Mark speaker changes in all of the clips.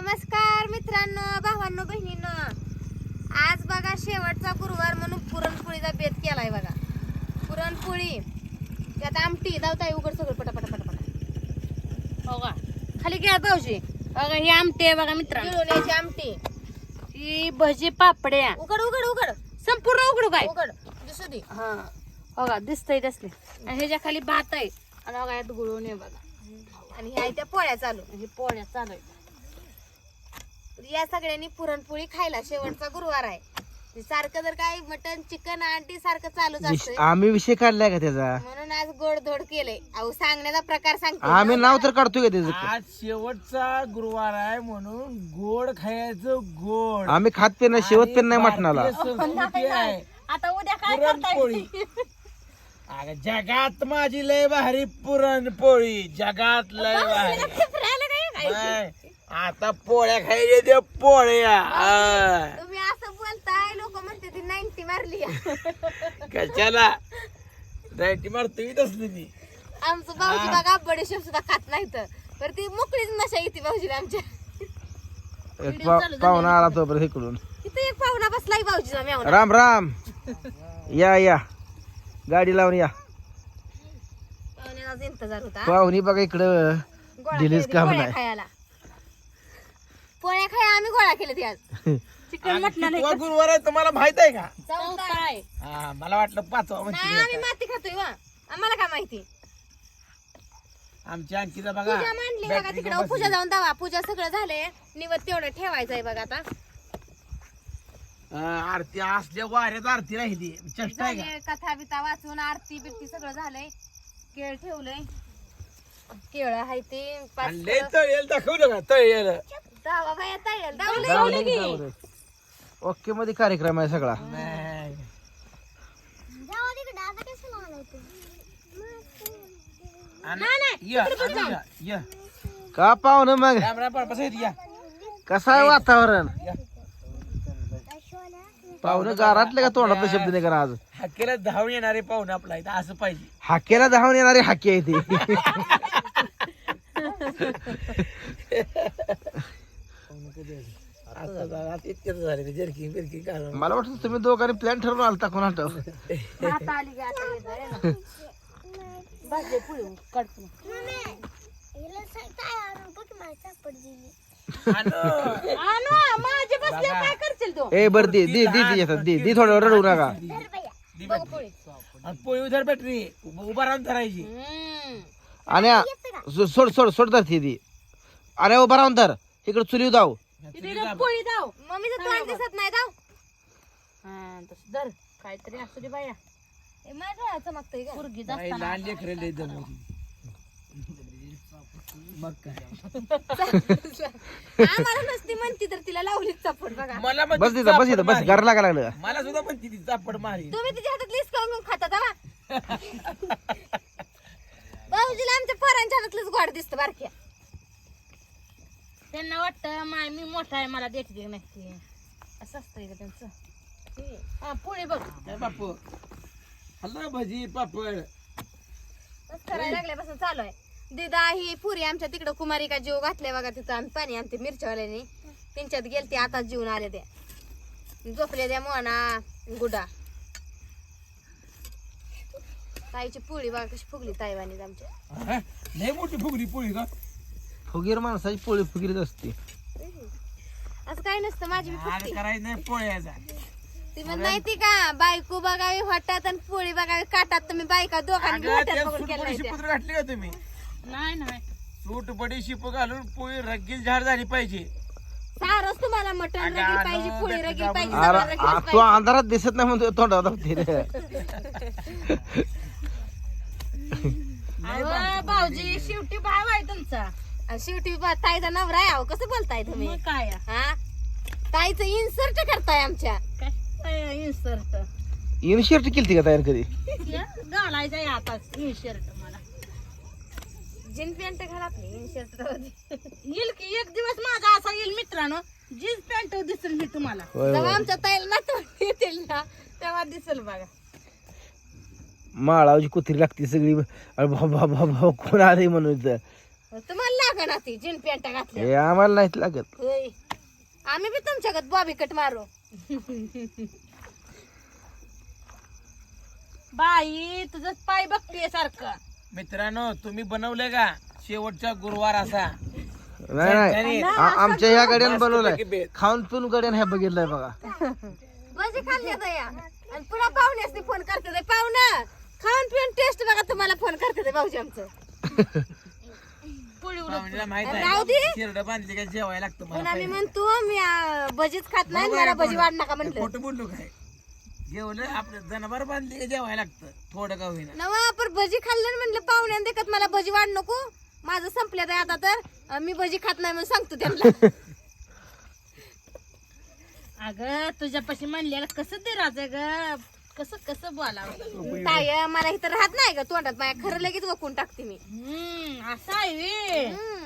Speaker 1: नमस्कार मित्रांनो, भावांनो, बहिणींनो. आज बघा शेवटचा गुरुवार म्हणून पुरणपोळीचा बेत केलाय बघा. पुरणपोळी त्यात आमटी दावताय उघड सगळं पटापटा पटापटा.
Speaker 2: हो का खाली घ्या भाऊजी. बघा ही आमटी आहे बघा मित्रांनो.
Speaker 1: गिळवण्याची आमटी.
Speaker 2: ही भजी पापड्या
Speaker 1: उघड उघड उघड
Speaker 2: संपूर्ण उघडू काय
Speaker 1: उघड दिसू दे.
Speaker 2: हा बघा दिसतंय तसले. आणि ह्याच्या खाली भात आहे आणि बघा यात गुळवून आहे बघा.
Speaker 1: आणि ह्या त्या पोळ्या चालू.
Speaker 2: हे पोळ्या चालू आहे.
Speaker 1: या सगळ्यांनी पुरणपोळी खायला शेवटचा गुरुवार आहे. सारखं जर काय मटन चिकन अंडी सारखं चालूच असतंय
Speaker 3: आम्ही विषय काढलाय का त्याचा?
Speaker 1: म्हणून आज गोड धोड केलंय. अहो सांगण्याचा प्रकार सांगते.
Speaker 3: आम्ही नाव तर काढतोय का त्याचं?
Speaker 4: आज शेवटचा गुरुवार आहे म्हणून गोड खायचं गोड.
Speaker 3: आम्ही खात पे नाही, शेवट पे नाही मटणाला.
Speaker 4: भारतीय संस्कृती आहे
Speaker 2: आता उद्या काय
Speaker 4: पुरणपोळी.
Speaker 2: करताय?
Speaker 4: अगं जगात माझी लय भारी पुरणपोळी, जगात लय भारी. बाय. आता पोळ्या खायच्या त्या पोळ्या.
Speaker 1: तुम्ही असं बोलताय, लोक म्हणते ती 90 मारली.
Speaker 4: कशाला रायटी मारतोय तसली ती.
Speaker 1: आमचं भाऊजी बघा बडीशेप सुद्धा खात नाही तर ती मोकळीच नशा येते भाऊजीला आमच्या.
Speaker 3: एक पाहुणा आला तो बरं इकडून.
Speaker 1: तिथे एक पाहुणा बसलाय भाऊजीला मेवना.
Speaker 3: राम राम. या या गाडी लावून या.
Speaker 1: पाहुण्याचा इंतजार होता.
Speaker 3: पाहुणी बघा इकडं
Speaker 1: गोळा
Speaker 3: दिलीच
Speaker 1: केली
Speaker 3: काम
Speaker 1: पोळ्या
Speaker 3: नाही.
Speaker 1: खायला. पोळ्या खाया आम्ही गोळा केले आज.
Speaker 2: चिकन मटण
Speaker 4: कितवा गुरुवार आहे तुम्हाला माहित आहे का?
Speaker 2: काय
Speaker 4: हा मला वाटलं पाचवा
Speaker 1: नाही
Speaker 4: म्हणजे
Speaker 1: आम्ही माती खातोय वा. आम्हाला काय माहिती.
Speaker 4: आमच्या अंकीचा बघा
Speaker 1: पूजा मांडली बघा
Speaker 4: बॅटरी
Speaker 1: तिकडे.
Speaker 4: बसली.
Speaker 1: पूजा जाऊन दावा. पूजा सगळं झालंय. निवत तेवढं ठेवायचंय बघा आता.
Speaker 4: आरती असल्या वाऱ्यात आरती राहिली चेष्टा आहे का?
Speaker 1: झाले, कथा बिथा वाचून आरती बिरती सगळं झालंय. केळ ठेवलंय. केळ आहे ते पाच
Speaker 4: आणि लय तळेल दाखवलं का तळेल.
Speaker 1: दावा बाया तळेल
Speaker 3: जाऊ
Speaker 1: दावलंय.
Speaker 3: दे, जाऊ दे. ओके मध्ये कार्यक्रम आहे सगळा.
Speaker 4: नाही. आणि या, आणि या, या.
Speaker 3: का पाहुणं मग
Speaker 4: राम राम पळपास आहेत, या.
Speaker 3: कसं आहे वातावरण?
Speaker 4: या.
Speaker 3: पाहुणं गारातले का तोंडातला शब्द नाही करा आज?
Speaker 4: हाकेला धावून येणारे पाहुणे आपला इथं असं पाहिजे.
Speaker 3: हाकेला धावून येणारे हाके आहे ते.
Speaker 4: आता इतकेच झाले ते जर्किंग बिर्किंग घालून.
Speaker 3: मला वाटतं तुम्ही दोघांनी प्लॅन ठरवून आलता कोण आठव?
Speaker 2: आता आली की आता येणार आहे ना. भाजी पुळी काढतो. आणू माझे बसले काय करशील तू?
Speaker 3: ए बर दे दे दे दे येतात. दे दे थोडं रडू नका.
Speaker 4: आणि पोळी उधर बॅटरी उभा राहून धरायची.
Speaker 3: आणि सोड सोड सोड धरती ती. अरे उभा राहून धर. इकडे चुली जाऊ.
Speaker 2: तिला पोळी दाव.
Speaker 1: मम्मीचं तोंड दिसत नाही दाव.
Speaker 2: हा तसं धर काहीतरी असू दे बाया.
Speaker 1: ए, माझ्या डोळ्यात चमकतंय का?
Speaker 2: पोरगी
Speaker 4: बाई,
Speaker 2: जास्त
Speaker 4: लहान लेकरं लय दमवती. मग काय
Speaker 1: आम्हाला नसती म्हणती तर तिला लावलीच चपट बघा.
Speaker 4: मला
Speaker 3: बस
Speaker 4: म्हणते
Speaker 3: तिथं बस
Speaker 4: चापड
Speaker 3: इथं बस.
Speaker 4: मारी.
Speaker 3: घर लागा लागलं.
Speaker 4: मला सुद्धा म्हणते ती चापड मारी.
Speaker 1: तुम्ही तिच्या हातात लिस्ट करून खाता दावा. भाऊजीला आमच्या पोरांच्या हातातलंच गोड दिसतं बारक्या.
Speaker 2: त्यांना वाटतं माय मी मोठा आहे मला देते की नाही असं असतंय का त्यांचं. हा पोळी बघ.
Speaker 4: काय बापू हल्ला भजी पापड.
Speaker 1: बस करायला लागल्यापासून चालू आहे. दिदा ही पुरी आमच्या तिकडं कुमारी का जीव घातले बघा. तिथं आम्ही पाणी आणते मिरच्यावाल्याने. त्यांच्यात गेलते आता जीवन आले त्या. झोपले त्या मोना गुडा. ताईची पोळी बघा कशी फुगली ताईवानी आमच्या.
Speaker 4: हा? लय मोठी फुगली पोळी का?
Speaker 3: फुगीर माणसाची पोळी फुगीरच असते.
Speaker 1: असं काही नसतं. माझी बी
Speaker 4: अरे
Speaker 1: फुगते.
Speaker 4: करायचं नाही पोळ्याचा.
Speaker 1: ती म्हणत नाही ती का बायको बघावी वाटतात आणि पोळी बघावी काटात. तुम्ही बायका दोघांनी
Speaker 4: अगं,
Speaker 1: वाटत
Speaker 4: त्या
Speaker 1: बघून
Speaker 4: सूट
Speaker 1: केलं
Speaker 4: बडीशी पुत्र घातली का तुम्ही?
Speaker 2: नाही नाही
Speaker 4: सूट बडीशिप घालून पोळी रगील झाड झाली पाहिजे.
Speaker 1: सारच तुम्हाला मटण
Speaker 4: अगं,
Speaker 1: रगील पाहिजे,
Speaker 4: अगं,
Speaker 1: पोळी
Speaker 4: बॅटरी
Speaker 1: रगील
Speaker 4: दाबून
Speaker 1: पाहिजे,
Speaker 3: अरे
Speaker 1: सगळं रगीलच
Speaker 3: तू
Speaker 1: पाहिजे.
Speaker 3: अंधारात दिसत नाही म्हणतो तोंडात दाबते रे.
Speaker 2: अहो, भाऊजी शेवटी भाव आहे तुमचा.
Speaker 1: आणि शेवटी ताईचा नवरा आहे. अहो, कसं बोलताय तुम्ही?
Speaker 2: मग काय
Speaker 1: हा ताईचं इन्सर्ट करताय आमच्या.
Speaker 2: काय इन्सर्ट
Speaker 3: इनशर्ट केली का तयार कधी?
Speaker 2: घालायचं आहे आता इन्शर्ट मला.
Speaker 1: जीन पॅन्ट घाल आपली इन्सर्ट
Speaker 2: येईल की एक दिवस माझा असा येईल मित्रांनो जीन्स पॅन्ट दिसेल मी तुम्हाला.
Speaker 3: होय,
Speaker 1: जेव्हा
Speaker 3: होय.
Speaker 1: आमच्या ताईला नातवंड येतील ना तेव्हा दिसेल बघा.
Speaker 3: माळावची कुत्री लागते सगळी. अरे बाबा बाबा कोण आले म्हणून इथं.
Speaker 1: तुम्हाला लागा ना ती जीन पॅन्ट घातली.
Speaker 3: हे आम्हाला नाहीत लागत.
Speaker 1: होय आम्ही बी तुमच्याकडे बॉबी कट मारू.
Speaker 2: बाई तुझं पाय बघते सारखं.
Speaker 4: मित्रांनो तुम्ही बनवले का शेवटचा गुरुवार असा
Speaker 3: नाही नाही आमच्या ह्या गाड्यानं बनवलाय
Speaker 4: बेत.
Speaker 3: खाऊन पिऊन गाड्यानं ह्या बघितलंय बघा.
Speaker 1: भजी खाल्ली या आणि पुन्हा पाहुण्यासनी फोन करते ते. पाहुणं खाऊन पिऊन टेस्ट बघा तुम्हाला फोन करते ते भाऊजी आमचं.
Speaker 2: पोळी उडत
Speaker 4: पाहुण्याला माहित
Speaker 1: राहू दे.
Speaker 4: आहे शिरड बांधली का जेवायला लागतं मला
Speaker 1: पुन्हा मी
Speaker 4: पहिलं.
Speaker 1: म्हणतो मी भजीच खात नाही मला भजी वाढ नका म्हटलं.
Speaker 4: खोटं बोललो काय जेवलं आपलं जनावर बांधली का जेवायला लागतं थोडं का होईना.
Speaker 1: नवा पर भजी खाल्लं म्हणलं पाहुण्यानं देखत मला भजी वाढ नको. माझं संपल्यात आहे आता तर मी भजी खात नाही म्हणून सांगतो त्यांना.
Speaker 2: अगं तुझ्यापाशी म्हणलेलं कसं दे राजा ग कसं कसं बोलावं.
Speaker 1: काय मला इथं राहत नाही का तोंडात माझ्या खरं लगेच वकून टाकते मी.
Speaker 2: असं आहे वे.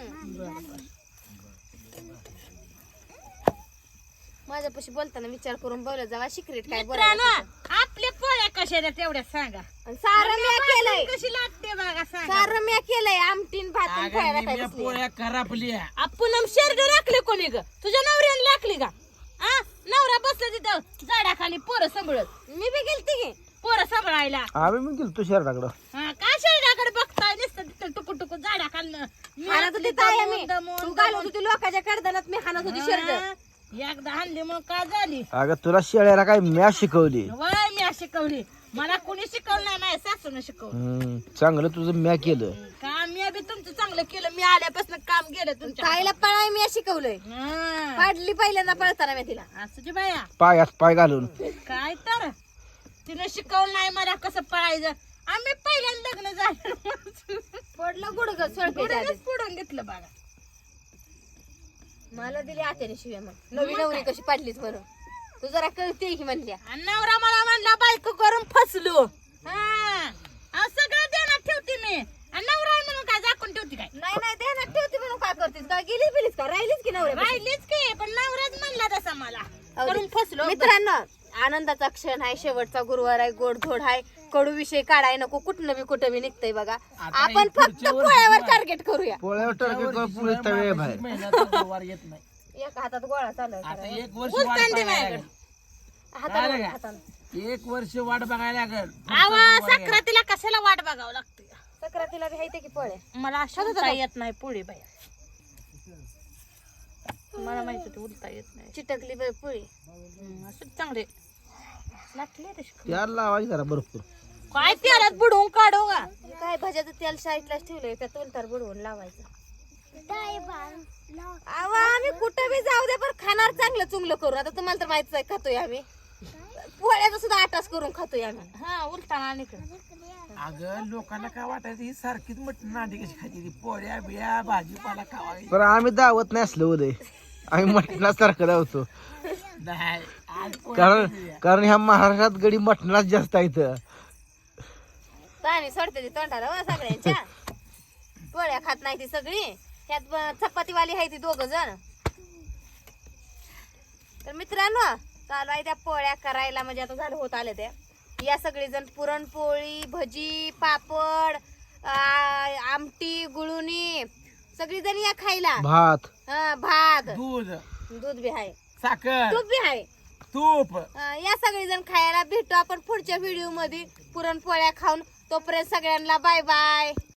Speaker 1: माझ्यापाशी बोलताना विचार करून बोलत जावा. सिक्रेट काय
Speaker 2: मित्रांनो
Speaker 1: बोलायचं.
Speaker 2: आपल्या पोळ्या कशा आहेत तेवढ्या सांगा.
Speaker 1: आणि सारं मी केलंय.
Speaker 2: कशी लागते बघा सांगा.
Speaker 1: सारं मी केलंय. आमटीन भातून
Speaker 4: अगं,
Speaker 1: पोळ्या
Speaker 4: निम्या
Speaker 1: टाकायला
Speaker 4: पोळ्या करापल्या
Speaker 2: आपण शेरड राखले कोणी ग तुझ्या नवऱ्याने राखली का. आ नवरा बसला तिथं झाडाखाली पोरं सांभाळत.
Speaker 1: मी बी गेलती की.
Speaker 2: पोरं सांभाळायला.
Speaker 3: आम्ही पण गेलो तुषार टाकडं.
Speaker 2: काय शेरडाकडे बघताय नुसतं तिथं टुकू टुकू झाडा खाल्लं.
Speaker 1: हाणत होती ताई मी. तू घालत होती लोकांच्या कडदानात मी हाणत होती शर्ट.
Speaker 2: एकदा हाणली मग काय झाली.
Speaker 3: अगं तुला शेळ्याला काय मॅच शिकवली.
Speaker 2: वय मी शिकवली. मला कोणी शिकवलं नाही माझ्या सासून शिकवलं.
Speaker 3: चांगलं तुझं म्या केलं.
Speaker 2: काम मी बी तुमचं चांगलं केलं. मी आल्यापासून काम केलं तुमच्या.
Speaker 1: ताईला पळाय मी शिकवलंय.
Speaker 2: हा.
Speaker 1: पाडली पहिल्यांदा पळताना मी तिला.
Speaker 2: असं जी बाया
Speaker 3: पायात पाय घालून.
Speaker 2: काय तर तिने शिकवलं नाही मला कसं पळायचं. आम्ही पहिल्यांदा लग्न झालं
Speaker 1: पडलं गुडग सोडपेच्या आधी.
Speaker 2: पुढून घेतलं बघा.
Speaker 1: मला दिली आत्याने शिव्या मग. नवी नवरी कशी पाडलीच म्हणून. तू जरा कळते की म्हणल्या.
Speaker 2: आणि नवरा मला म्हणला बायको करून फसलो. हा सगळं देण्यात ठेवते मी. आणि नवरा आहे म्हणून काय झाकून ठेवते काय.
Speaker 1: नाही नाही ध्यानात ठेवते म्हणून काय करतेस काय गेली बिलीस का राहिलीच की नवऱ्या.
Speaker 2: राहिलीच की पण नवराच म्हणला तसा मला करून फसलो.
Speaker 1: मित्रांनो आनंदाचा क्षण आहे. शेवटचा गुरुवार आहे. गोडधोड आहे. कडू विषय काढाय नको. कुठनं बी कुठं बी निघतंय बघा. आपण फक्त पोळ्यावर टार्गेट करूया.
Speaker 3: पोळ्यावर टार्गेट पुढे तळे बाहेर.
Speaker 4: महिन्याचा गुरुवार येत नाही.
Speaker 1: एका हातात गोळा चालू आहे
Speaker 4: आता
Speaker 1: करायला.
Speaker 4: एक वर्ष वाट बघायला लागेल.
Speaker 1: हाताला
Speaker 4: काय रे?
Speaker 1: हाताला.
Speaker 4: एक वर्ष वाट बघायला लागेल.
Speaker 2: आवा सक्रातीला कशाला वाट बघावं लागते.
Speaker 1: सक्रातीला बी हायते की पोळ्या.
Speaker 2: मला उलता येत नाही पोळी बाया. मला माहित होती उलता येत नाही.
Speaker 1: चिटकली बाई पोळी.
Speaker 2: असं चांगले लागले तशी.
Speaker 3: त्याला लावायची जरा भरपूर.
Speaker 2: काय त्यालाच बुडवून काढू का.
Speaker 1: काय भाज्याचं तेल शाळेतलाच ठेवलंय त्यात उलतार बुडवून लावायचं. अहो आम्ही कुठं बी जाऊ दे पण खाणार चांगलं चुंगलं करून. आता तुम्हाला तर माहितीच आहे खातोय आम्ही. पोळ्याचा सुद्धा आटास करून खातोय आम्ही.
Speaker 2: हा उलताना निकड.
Speaker 4: अगं लोकांना काय वाटायचं ही सारखीच मटण नांदी कशी खायची ती पोळ्या बिया भाजीपाला खावायची.
Speaker 3: पण आम्ही दावत नाही असलं उदय. आम्ही मटणासारखं धावतो.
Speaker 4: नाही आज पोळ्या
Speaker 3: कारण कारण ह्या महाराष्ट्रात गडी मटणाच जास्त आहे इथं.
Speaker 1: पाणी सोडते ती तोंडाला वा सगळ्यांच्या. पोळ्या खात नाही ती सगळी. त्यात चपातीवाली आहे ती दोघ जण. तर मित्रांनो चालू आहे त्या पोळ्या करायला. म्हणजे आता झालं होत आले त्या. या सगळी जण पुरणपोळी भजी पापड आमटी गुळुणी सगळी जण या खायला.
Speaker 3: भात
Speaker 1: भात
Speaker 4: दूध
Speaker 1: दूध बी आहे.
Speaker 4: साखर
Speaker 1: तूप बी आहे.
Speaker 4: तूप
Speaker 1: या सगळी जण खायला भेटू आपण पुढच्या व्हिडिओ मध्ये पुरणपोळ्या खाऊन. तोपर्यंत सगळ्यांना बाय बाय.